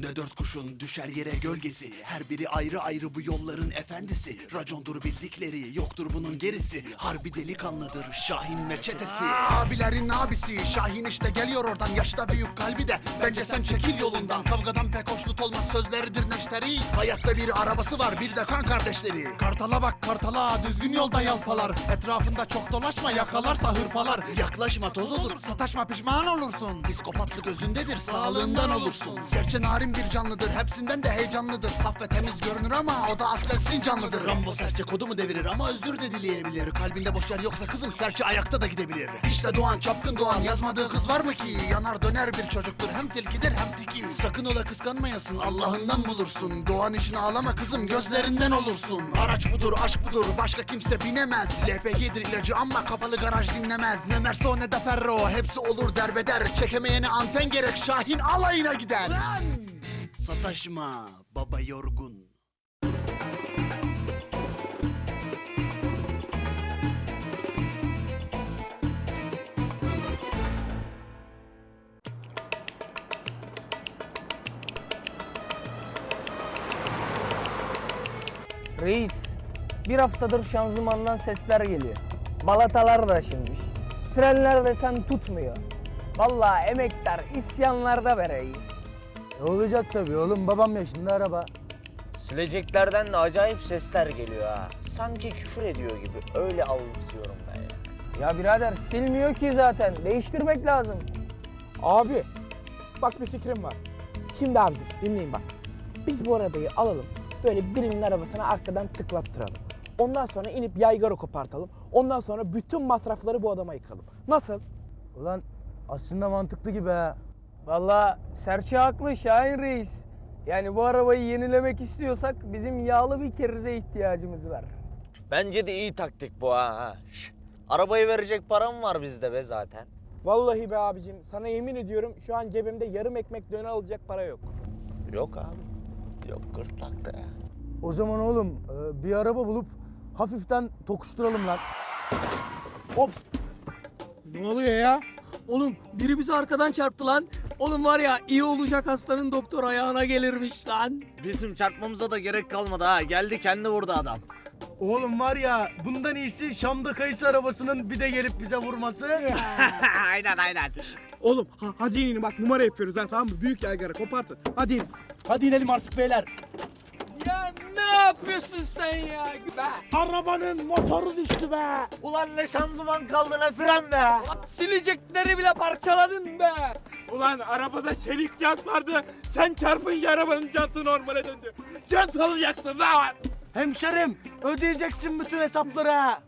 Önünde 4 kurşun düşer yere gölgesi. Her biri ayrı ayrı bu yolların efendisi. Racondur bildikleri, yoktur bunun gerisi. Harbi delikanlıdır Şahin ve çetesi. Abilerin abisi Şahin işte geliyor oradan. Yaşta büyük kalbi de, bence sen çekil yolundan. Kavgadan pek hoşnut olmaz, sözleridir neşteri. Hayatta bir arabası var, bir de kan kardeşleri. Kartala bak kartala, düzgün yolda yalpalar. Etrafında çok dolaşma, yakalarsa hırpalar. Yaklaşma toz olur, sataşma pişman olursun. Psikopatlık özündedir, sağlığından olursun. Serçe narin bir canlıdır, hepsinden de heyecanlıdır. Saf ve temiz görünür ama o da aslen sincanlıdır. Rambo serçe kodu mu devirir ama özür de dileyebilir. Kalbinde boş yer yoksa kızım serçe ayakta da gidebilir. İşte Doğan, çapkın Doğan, yazmadığı kız var mı ki? Yanar döner bir çocuktur, hem tilkidir hem tiki. Sakın ola kıskanmayasın, Allah'ından bulursun. Doğan işini ağlama kızım, gözlerinden olursun. Araç budur, aşk budur, başka kimse binemez. LPG'dir ilacı ama kapalı garaj dinlemez. Ne Merso ne de Ferro, hepsi olur derbeder. Çekemeyene anten gerek, Şahin alayına gider. Lan! Sataşma baba yorgun. Reis, bir haftadır şanzımandan sesler geliyor. Balatalar da aşınmış. Frenler desen tutmuyor. Vallahi emektar isyanlarda be reis. Olacak tabii oğlum, babam yaşında araba. Sileceklerden de acayip sesler geliyor ha. Sanki küfür ediyor gibi. Öyle algılıyorum ben ya. Ya birader silmiyor ki zaten. Değiştirmek lazım. Abi bak bir fikrim var. Şimdi abi dinleyin bak. Biz bu arabayı alalım. Böyle birinin arabasına arkadan tıklattıralım. Ondan sonra inip yaygara kopartalım. Ondan sonra bütün masrafları bu adama yıkalım. Nasıl? Ulan aslında mantıklı gibi ha. Vallahi serçe haklı Şahin reis. Yani bu arabayı yenilemek istiyorsak bizim yağlı bir kerize ihtiyacımız var. Bence de iyi taktik bu ha. Şş, arabayı verecek param var bizde be zaten. Vallahi be abicim sana yemin ediyorum şu an cebimde yarım ekmek döner alacak para yok. Yok abi. Yok gırtlakta ya. O zaman oğlum bir araba bulup hafiften tokuşturalım lan. Ops! Ne oluyor ya? Oğlum biri bizi arkadan çarptı lan. Oğlum var ya iyi olacak hastanın doktor ayağına gelirmiş lan. Bizim çarpmamıza da gerek kalmadı ha. Geldi kendi vurdu adam. Oğlum var ya, bundan iyisi Şam'da kayısı arabasının bir de gelip bize vurması. aynen. Oğlum hadi inin bak numara yapıyoruz ha tamam mı? Büyük yaygara kopartın. Hadi in. Hadi inelim artık beyler. Ya ne yapıyorsun sen ya? Be. Arabanın motoru düştü be. Ulan ne şanzıman kaldı ne fren be. Silecekleri bile parçaladın be. Ulan arabada çelik jant vardı. Sen çarpınca arabanın jantı normale döndü. Jant alacaksın lan. Hemşerim, ödeyeceksin bütün hesapları ha.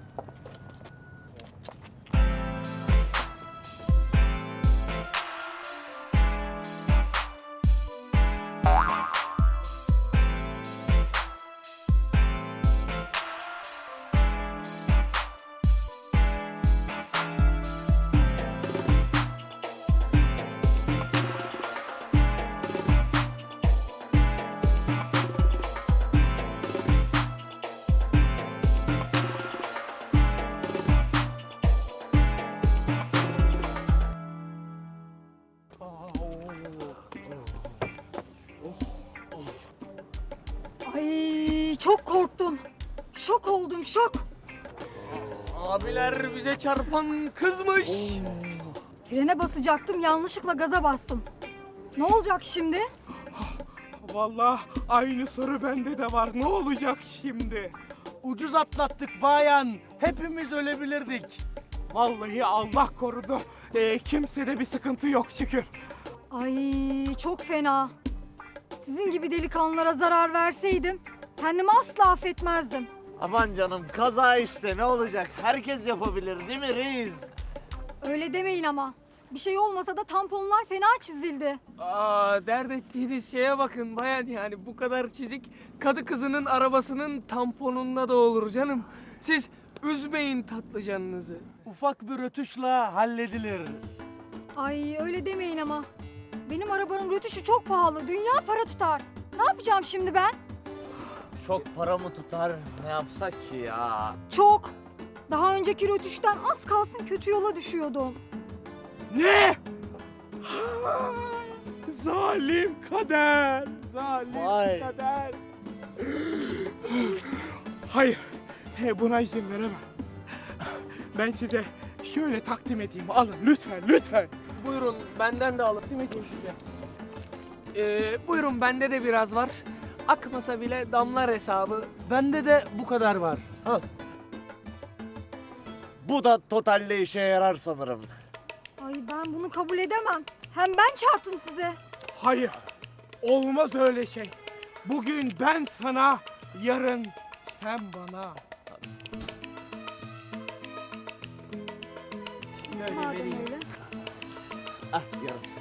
Ay çok korktum. Şok oldum şok. Abiler bize çarpan kızmış. Frene basacaktım yanlışlıkla gaza bastım. Ne olacak şimdi? Vallahi aynı soru bende de var. Ne olacak şimdi? Ucuz atlattık bayan. Hepimiz ölebilirdik. Vallahi Allah korudu. Kimsede bir sıkıntı yok şükür. Ay çok fena. Sizin gibi delikanlılara zarar verseydim kendimi asla affetmezdim. Aman canım kaza işte ne olacak? Herkes yapabilir değil mi reis? Öyle demeyin ama. Bir şey olmasa da tamponlar fena çizildi. Dert ettiğiniz şeye bakın bayan yani bu kadar çizik kadı kızının arabasının tamponunda da olur canım. Siz üzmeyin tatlı canınızı. Ufak bir rötuşla halledilir. Ay öyle demeyin ama. Benim arabanın rötuşu çok pahalı. Dünya para tutar. Ne yapacağım şimdi ben? Çok para mı tutar? Ne yapsak ki ya? Çok. Daha önceki rötuştan az kalsın kötü yola düşüyordum. Ne? Zalim kader. Zalim Vay. kader. Hayır. Buna izin veremem. Ben size şöyle takdim edeyim. Alın lütfen, lütfen. Buyurun benden de alın. Değil mi size? Buyurun bende de biraz var. Akmasa bile damlar hesabı. Bende de bu kadar var. Al. Bu da totalde işe yarar sanırım. Ay ben bunu kabul edemem. Hem ben çarptım size. Hayır. Olmaz öyle şey. Bugün ben sana, yarın sen bana. Madem öyle. Ah yarası.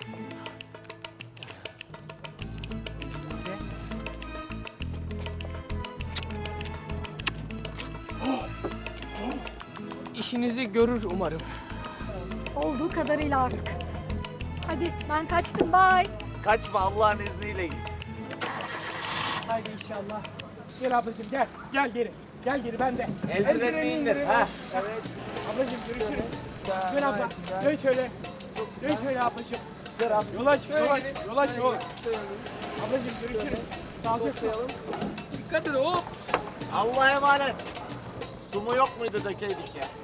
İşinizi görür umarım. Olduğu kadarıyla artık. Hadi ben kaçtım bye. Kaçma Allah'ın izniyle git. Haydi inşallah. Gel ablacığım gel. Gel geri. Gel geri ben de. Eldivenini indir. Ha. Ablacığım görüşürüz. Dön abla. Dön şöyle. Dön şöyle ablacığım. Yol aç, yol aç, yol aç, yol. Ablacığım görüşürüz. Sağlıcakla. Dikkat edin hop. Allah'a emanet. Su mu yok muydu dökeydik ya?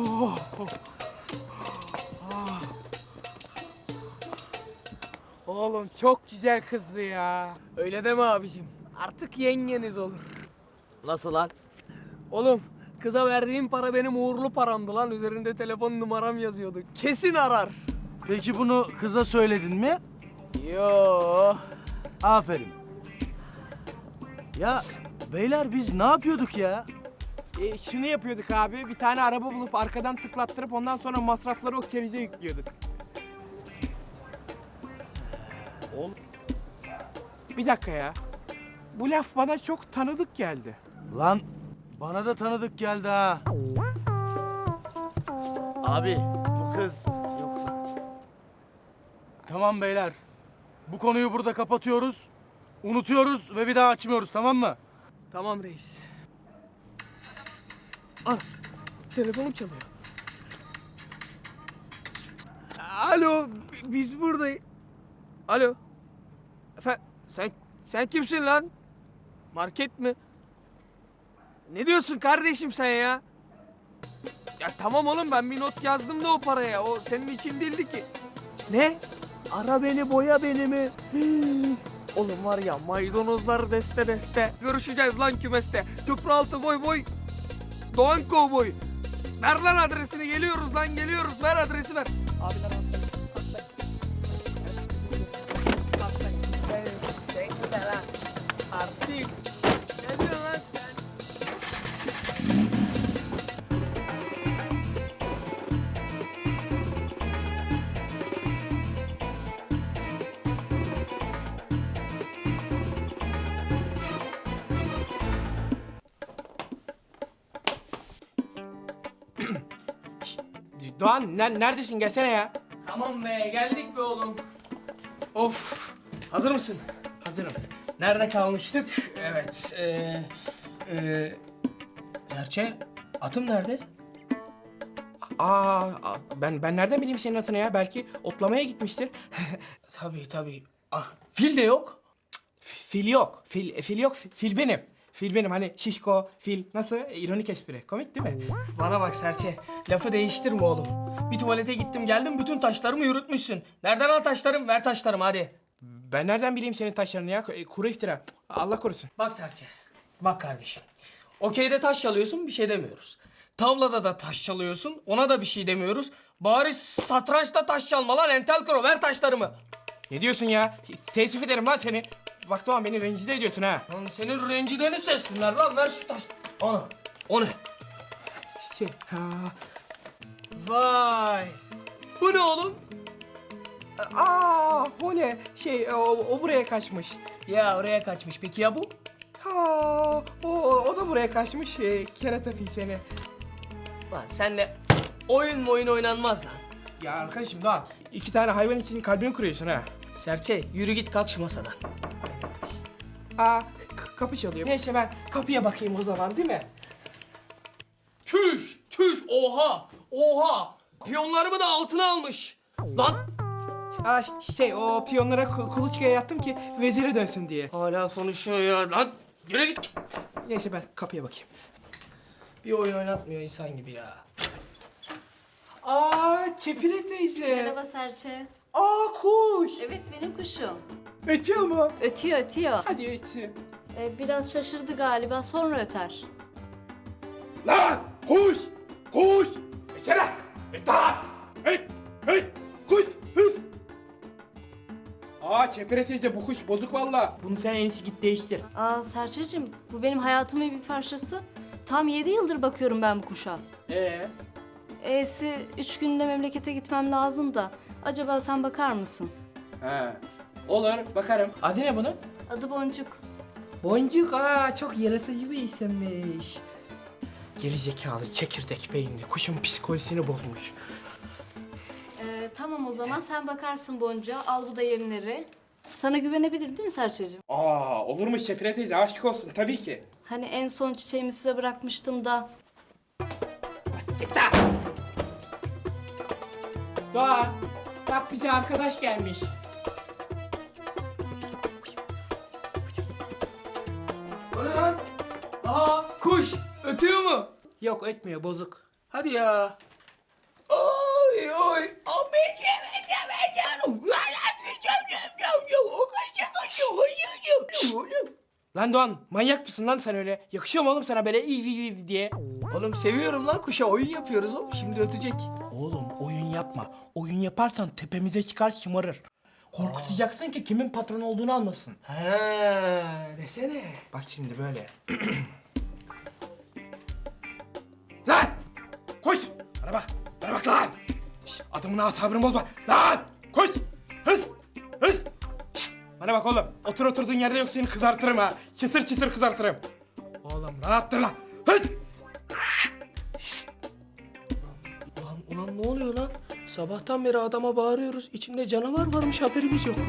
Oğlum çok güzel kızdı ya. Öyle deme abicim. Artık yengeniz olur. Nasıl lan? Oğlum kıza verdiğim para benim uğurlu paramdı lan. Üzerinde telefon numaram yazıyordu. Kesin arar. Peki bunu kıza söyledin mi? Yo. Aferin. Ya beyler biz ne yapıyorduk ya? Şunu yapıyorduk abi. Bir tane araba bulup arkadan tıklattırıp ondan sonra masrafları o kerize yüklüyorduk. Oğlum. Bir dakika ya. Bu laf bana çok tanıdık geldi. Lan bana da tanıdık geldi ha. Abi bu kız yoksa... Tamam beyler. Bu konuyu burada kapatıyoruz. Unutuyoruz ve bir daha açmıyoruz, tamam mı? Tamam reis. Ah, telefonum çalıyor. Alo, biz buradayız. Alo. Sen kimsin lan? Market mi? Ne diyorsun kardeşim sen ya? Ya tamam oğlum ben bir not yazdım da o paraya. O senin için değildi ki. Ne? Ara beni boya beni mi? Oğlum var ya maydanozlar deste deste. Görüşeceğiz lan kümeste. Köprüaltı boy boy. Doğan kovboy. Ver lan adresini geliyoruz lan geliyoruz. Ver adresi ver. Abiler atlayın. Sen de lan. Artist. Ne diyorsun lan sen? Doğan neredesin? Gelsene ya. Tamam be geldik be oğlum. Of. Hazır mısın? Hazırım. Nerede kalmıştık? Evet. Gerçi atım nerede? Ben nereden bileyim senin atını ya? Belki otlamaya gitmiştir. Tabii. Ah, fil de yok. Fil yok. Fil yok. Fil benim. Fil benim. Hani şişko, fil. Nasıl? İronik espri. Komik değil mi? Bana bak Serçe. Lafı değiştirme oğlum. Bir tuvalete gittim geldim bütün taşlarımı yürütmüşsün. Nereden al taşlarım? Ver taşlarımı hadi. Ben nereden bileyim senin taşlarını ya? Kuru iftira. Allah korusun. Bak Serçe. Bak kardeşim. Okeyde taş çalıyorsun bir şey demiyoruz. Tavlada da taş çalıyorsun ona da bir şey demiyoruz. Bari satrançta taş çalma lan entel kro ver taşlarımı. Ne diyorsun ya? Teessüf ederim lan seni. Bak Doğan beni rencide ediyorsun ha. Lan senin rencideni sessinler lan ver şu taş. Ana. O ne? Vay. Bu ne oğlum? O ne? O buraya kaçmış. Ya oraya kaçmış peki ya bu? O da buraya kaçmış. Kerata fil seni. Lan senle oyun oynanmaz lan. Ya arkadaşım Doğan, 2 tane hayvan için kalbini kırıyorsun ha. Serçe yürü git kalk şu masadan. Kapı çalıyor. Neyse ben kapıya bakayım o zaman değil mi? Çüş oha. Piyonlarımı da altına almış. Lan O piyonlara kuluçkaya yattım ki veziri dönsün diye. Hala konuşuyor ya. Lan yürü git. Neyse ben kapıya bakayım. Bir oyun oynatmıyor insan gibi ya. Çepire teyze. Merhaba Serçe. Kuş. Evet benim kuşum. Ötüyor mu? Ötüyor ötüyor. Hadi ötsün. Biraz şaşırdı galiba sonra öter. Lan kuş! Kuş! İçeri! İttihat! Hey! Hey! Kuş! Hız! Çepere teyze bu kuş bozuk valla. Bunu sen en iyisi git değiştir. Serçeciğim bu benim hayatımın bir parçası. Tam 7 yıldır bakıyorum ben bu kuşa. E'si 3 günde memlekete gitmem lazım da. Acaba sen bakar mısın? Olur bakarım. Adı ne bunun? Adı Boncuk. Boncuk. Çok yaratıcı bir isimmiş. Geri zekalı, çekirdek beyinli. Kuşun psikolojisini bozmuş. Tamam o zaman sen bakarsın Boncuğa. Al bu da yemleri. Sana güvenebilirim değil mi Serçeciğim? Olur mu Çepire teyze? Aşk olsun tabii ki. Hani en son çiçeğimi size bırakmıştım da. Doğan, bak bize arkadaş gelmiş. O ne lan? Kuş. Ötüyor mu? Yok ötmüyor, bozuk. Hadi ya. Oy oy. Lan Doğan, manyak mısın lan sen öyle? Yakışıyor mu oğlum sana böyle iyi diye? Oğlum seviyorum lan kuşa. Oyun yapıyoruz oğlum. Şimdi ötecek. Oğlum oyun yapma. Oyun yaparsan tepemize çıkar şımarır. Korkutacaksın ki kimin patron olduğunu anlasın. Desene. Bak şimdi böyle. Lan! Koş! Bana bak lan! Adamın sabrını bozma. Lan! Koş! Hız! Şşt! Bana bak oğlum. Oturduğun yerde yok seni kızartırım ha. Çıtır çıtır kızartırım. Oğlum rahat dur lan. Hız! Ulan ne oluyor lan? Sabahtan beri adama bağırıyoruz. İçinde canavar varmış haberimiz yok.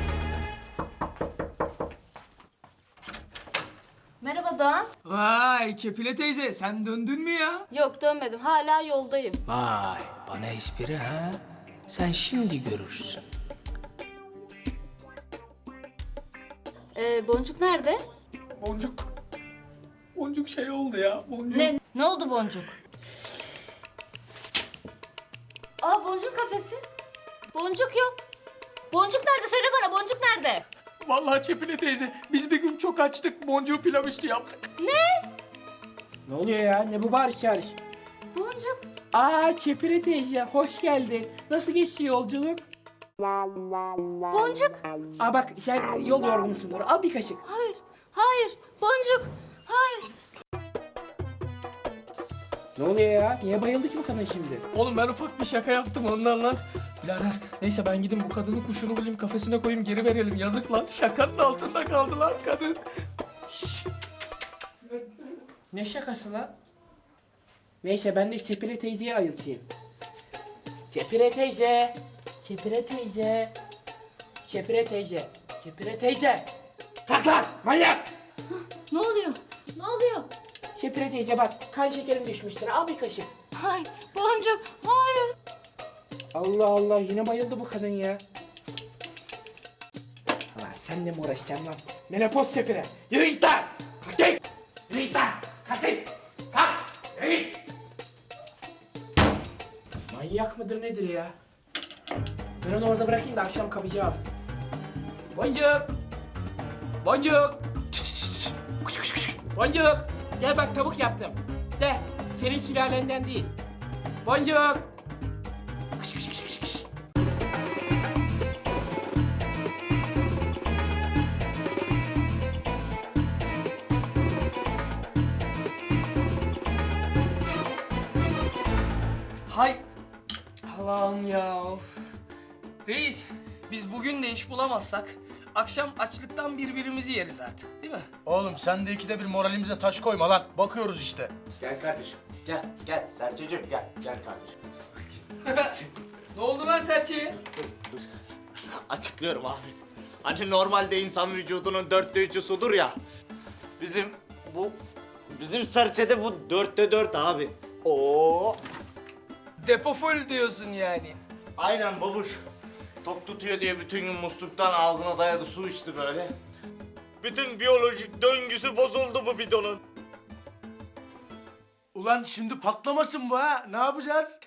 Merhaba Doğan. Vay Çepile teyze sen döndün mü ya? Yok dönmedim hala yoldayım. Vay bana espri ha? Sen şimdi görürsün. Boncuk nerede? Boncuk şey oldu ya. Boncuk. Ne oldu Boncuk? Boncuk kafesi. Boncuk yok. Boncuk nerede? Söyle bana Boncuk nerede? Vallahi Çepile teyze biz bir gün çok açtık. Boncuğu pilav üstü yaptık. Ne oluyor ya? Ne bu bağırış çağırış? Boncuk. Çepire teyze hoş geldin. Nasıl geçti yolculuk? Boncuk. Bak sen yol yorgunusundur. Al bir kaşık. Hayır. Boncuk. Hayır. Ne oluyor ya? Niye bayıldı ki bu kadın şimdi? Oğlum ben ufak bir şaka yaptım ondan lan. Birader neyse ben gideyim bu kadının kuşunu bulayım kafesine koyayım geri verelim. Yazık lan şakanın altında kaldı lan kadın. Şşş. Ne şakası lan? Neyse ben de Çepire teyzeyi ayıltayım. Çepire teyze. Çepire teyze. Çepire teyze. Çepire teyze. Kalk lan manyak. Ne oluyor? Ne oluyor? Çepire teyze bak kan şekerim düşmüştür. Al bir kaşık. Hayır. Boncuk. Hayır. Allah Allah yine bayıldı bu kadın ya. Lan senle mi uğraşacağım lan? Menopoz Çepire. Yürü git lan. Kalk git. Yürü git lan. Kalk git. Kalk. Yürü git. Manyak mıdır nedir ya? Ben onu orada bırakayım da akşam kapacağız. Boncuk. Boncuk. Boncuk. Gel bak tavuk yaptım. De senin sülalenden değil. Boncuk. Kış kış kış kış kış. Hay Allah'ım ya. Reis biz bugün de iş bulamazsak akşam açlıktan birbirimizi yeriz artık değil mi? Oğlum sen de ikide bir moralimize taş koyma lan. Bakıyoruz işte. Gel kardeşim. Gel Serçeciğim gel. Gel kardeşim. Ne oldu lan Serçe'ye? Açıklıyorum abi. Hani normalde insan vücudunun 3/4 sudur ya. Bizim serçede bu 4'te 4 abi. Oo. Depo full diyorsun yani. Aynen babuş. Tok tutuyor diye bütün gün musluktan ağzına dayadı su içti böyle. Bütün biyolojik döngüsü bozuldu bu bidonun. Ulan şimdi patlamasın bu ha. Ne yapacağız?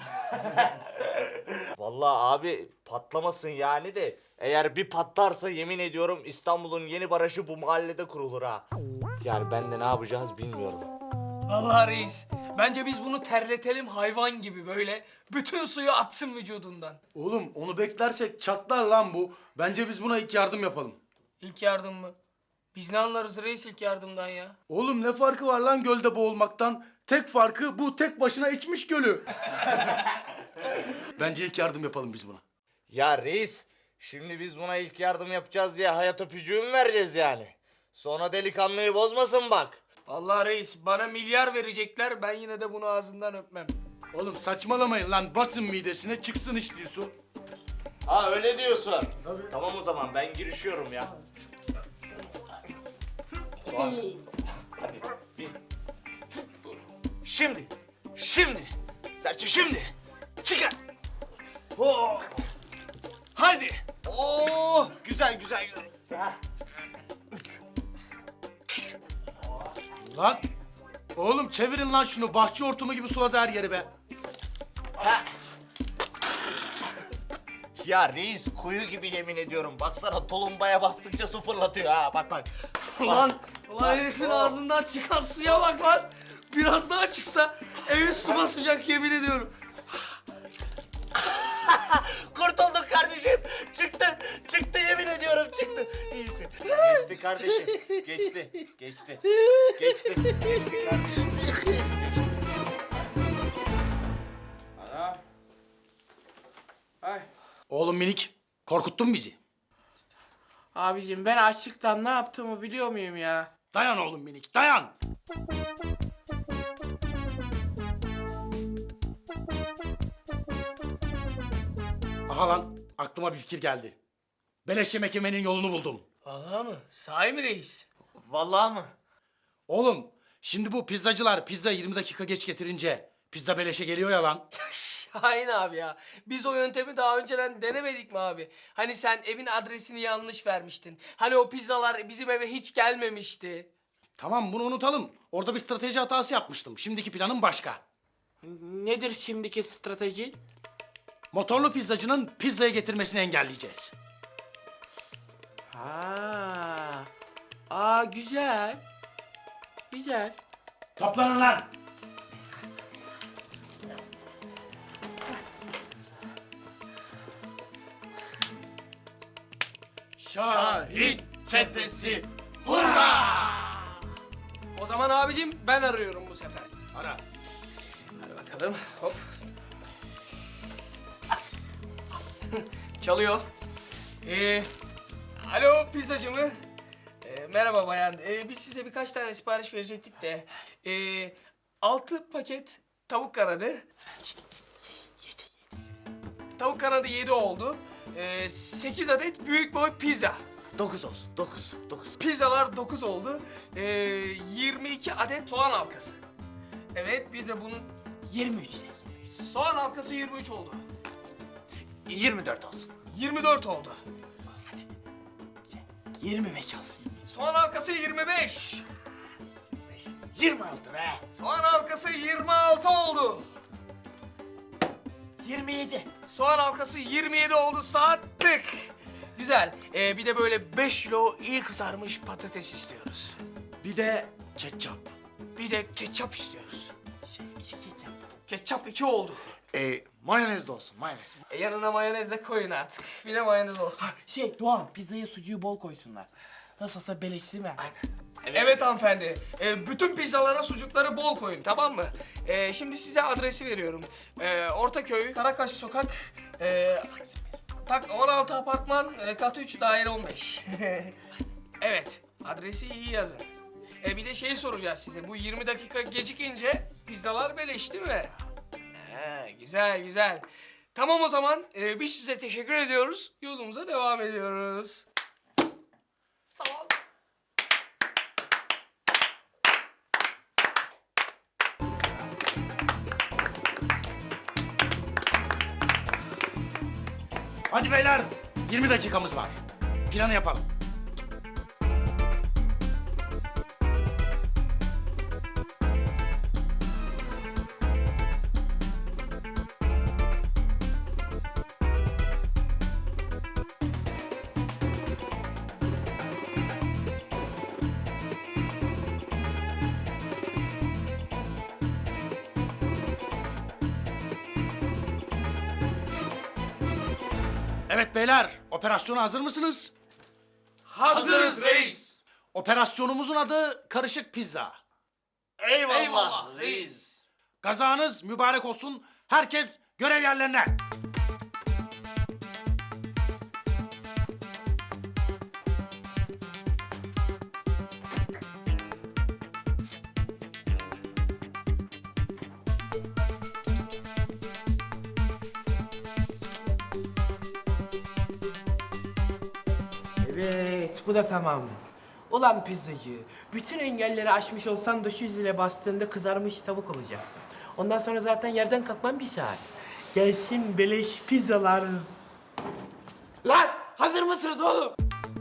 Vallahi abi patlamasın yani de eğer bir patlarsa yemin ediyorum İstanbul'un yeni barajı bu mahallede kurulur ha. Yani ben de ne yapacağız bilmiyorum. Vallahi reis. Bence biz bunu terletelim hayvan gibi böyle. Bütün suyu atsın vücudundan. Oğlum onu beklersek çatlar lan bu. Bence biz buna ilk yardım yapalım. İlk yardım mı? Biz ne anlarız reis ilk yardımdan ya? Oğlum ne farkı var lan gölde boğulmaktan? Tek farkı bu tek başına içmiş gölü. Bence ilk yardım yapalım biz buna. Ya reis şimdi biz buna ilk yardım yapacağız diye hayat öpücüğü mü vereceğiz yani? Sonra delikanlıyı bozmasın bak. Vallahi reis bana milyar verecekler ben yine de bunu ağzından öpmem. Oğlum saçmalamayın lan. Basın midesine çıksın içtiği su. Ha öyle diyorsun. Tamam o zaman ben girişiyorum ya. Hadi. Bir. Şimdi. Serçe şimdi. Çıkar. Oh. Hadi. Oo, güzel. Ha. Lan. Oğlum çevirin lan şunu. Bahçe hortumu gibi suladı her yeri be. Ya reis kuyu gibi yemin ediyorum. Baksana tulumbaya bastıkça su fırlatıyor ha. Bak. Ulan herifin ağzından çıkan suya bak lan. Biraz daha çıksa evi su basacak yemin ediyorum. Kurtulduk kardeşim. Çıktı yemin ediyorum çıktı. İyisin. Geçti kardeşim. Geçti kardeşim. Oğlum minik. Korkuttun bizi. Abicim ben açlıktan ne yaptığımı biliyor muyum ya? Dayan oğlum minik. Dayan. Aha lan. Aklıma bir fikir geldi. Beleş yemek yemenin yolunu buldum. Vallahi mı? Sahi mi reis? Vallahi mı? Oğlum şimdi bu pizzacılar pizza 20 dakika geç getirince pizza beleşe geliyor ya lan. Şahin abi ya. Biz o yöntemi daha önceden denemedik mi abi? Hani sen evin adresini yanlış vermiştin. Hani o pizzalar bizim eve hiç gelmemişti. Tamam bunu unutalım. Orada bir strateji hatası yapmıştım. Şimdiki planım başka. Nedir şimdiki strateji? Motorlu pizzacının pizzayı getirmesini engelleyeceğiz. Güzel. Güzel. Toplanın lan! Şahin çetesi O zaman abicim ben arıyorum bu sefer. ara. Hadi bakalım. Hop. Çalıyor. Alo pizzacı mı? Merhaba bayan. Biz size birkaç tane sipariş verecektik de. 6 paket tavuk kanadı. Tavuk kanadı 7 oldu. 8 adet büyük boy pizza. 9 olsun. 9. Pizzalar 9 oldu. 22 adet soğan halkası. Evet bir de bunun 23. soğan halkası 23 oldu. 24 olsun. 24 oldu. 25 olsun. Soğan halkası 25. 26 be. Soğan halkası 26 oldu. 27. Soğan halkası 27 oldu sattık. Güzel. Bir de böyle 5 kilo iyi kızarmış patates istiyoruz. Bir de ketçap. Bir de ketçap istiyoruz. Ketçap 2 oldu. Mayonez de olsun mayonez. Yanına mayonez de koyun artık. Bir de mayonez olsun. Doğan pizzaya sucuğu bol koysunlar. Nasıl olsa beleş değil mi? Evet hanımefendi. Bütün pizzalara sucukları bol koyun tamam mı? Şimdi size adresi veriyorum. Ortaköy, Karakaş Sokak, 16 apartman, kat 3, daire 15. Evet, adresi iyi yazın. Bir de şey soracağız size. Bu 20 dakika gecikince pizzalar beleş değil mi? Güzel. Tamam o zaman biz size teşekkür ediyoruz. Yolumuza devam ediyoruz. Tamam. Hadi beyler, 20 dakikamız var. Planı yapalım. Evet beyler, operasyona hazır mısınız? Hazırız reis. Operasyonumuzun adı Karışık Pizza. Eyvallah reis. Kazanız mübarek olsun. Herkes görev yerlerine. Evet, bu da tamam. Ulan pizzacı, bütün engelleri aşmış olsan da şu zile bastığında kızarmış tavuk olacaksın. Ondan sonra zaten yerden kalkman 1 saat. Gelsin beleş pizzalar. Lan, hazır mısınız oğlum?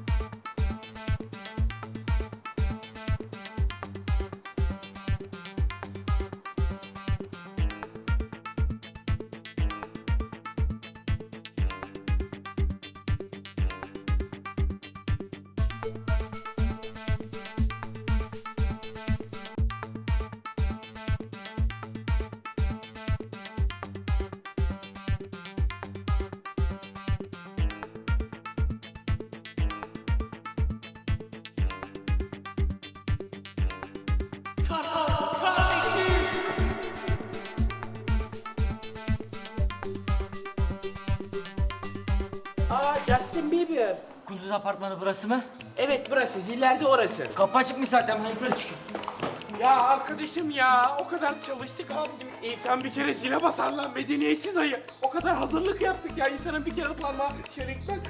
Aa, Justin Bieber. Kunduz apartmanı burası mı? Evet burası, zillerde orası. Kapı açıkmış zaten, ben yukarı çıkıyorum. Ya arkadaşım ya, o kadar çalıştık abi. İnsan bir kere zile basar lan, medeniyetsiz ayı. O kadar hazırlık yaptık ya, insanın bir kere parmağı şöyle gitmek.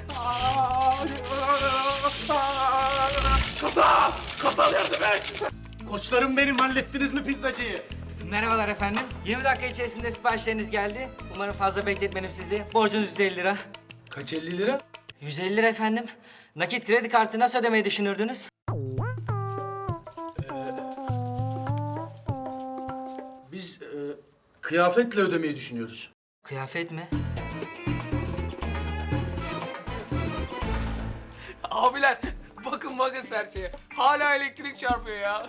Kaza! Kaza yardım et! Koçlarım benim, hallettiniz mi pizzacıyı? Merhabalar efendim. 20 dakika içerisinde siparişleriniz geldi. Umarım fazla bekletmedim sizi. Borcunuz 150 lira. Kaç 50 lira? 150 lira efendim. Nakit kredi kartı nasıl ödemeyi düşünürdünüz? Biz kıyafetle ödemeyi düşünüyoruz. Kıyafet mi? Abiler bakın serçeye. Hala elektrik çarpıyor ya.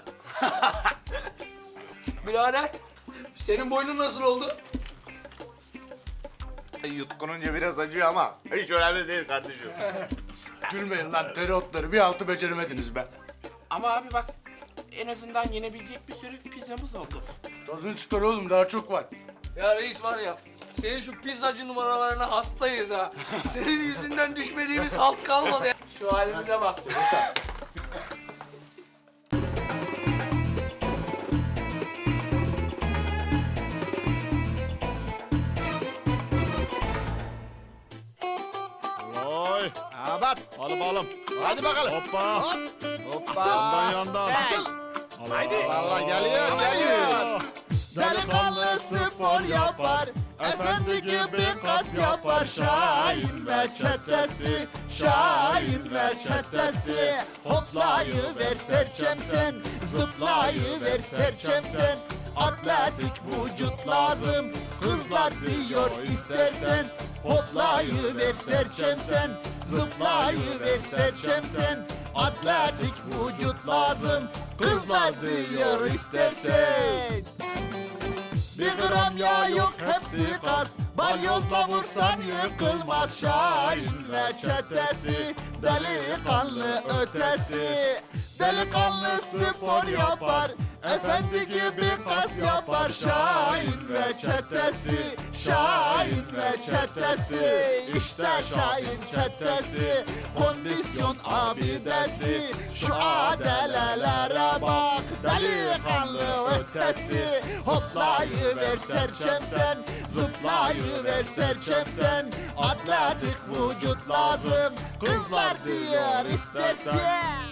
Birader senin boynun nasıl oldu? Yutkununca biraz acıyor ama hiç önemli değil kardeşim. Gülmeyin lan, tereotları bir altı beceremediniz be. Ama abi bak, en azından yenebilecek bir sürü pizzamız oldu. Tadını çıkar oğlum, daha çok var. Ya reis var ya, senin şu pizzacı numaralarına hastayız ha. Senin yüzünden düşmediğimiz halt kalmadı ya. Şu halimize bak. Oy. Evet. Hadi bakalım. Hadi bakalım. Hoppa. Hop. Hoppa. Yandan yandan. Asıl. Haydi. Vallahi geliyor. Delikanlı spor yapar, efendi gibi kas yapar. Şahin ve çetesi, Şahin ve çetesi. Hoplayıver serçem sen, zıplayıver serçem sen. Atletik vücut lazım, kızlar diyor istersen. Hoplayıver serçem sen, zıplayıver serçem sen. Atletik vücut lazım, kızlar diyor istersen. 1 gram yağ yok hepsi kas, balyozla vursan yıkılmaz. Şahin ve çetesi, delikanlı ötesi. Delikanlı spor yapar, efendi gibi kas yapar. Şahin ve çetesi, Şahin ve çetesi. İşte Şahin çetesi, kondisyon abidesi. Şu adelelere bak, delikanlı ötesi. Hoplayıver serçem sen, zıplayıver serçem sen. Atletik vücut lazım, kızlar diyor istersen.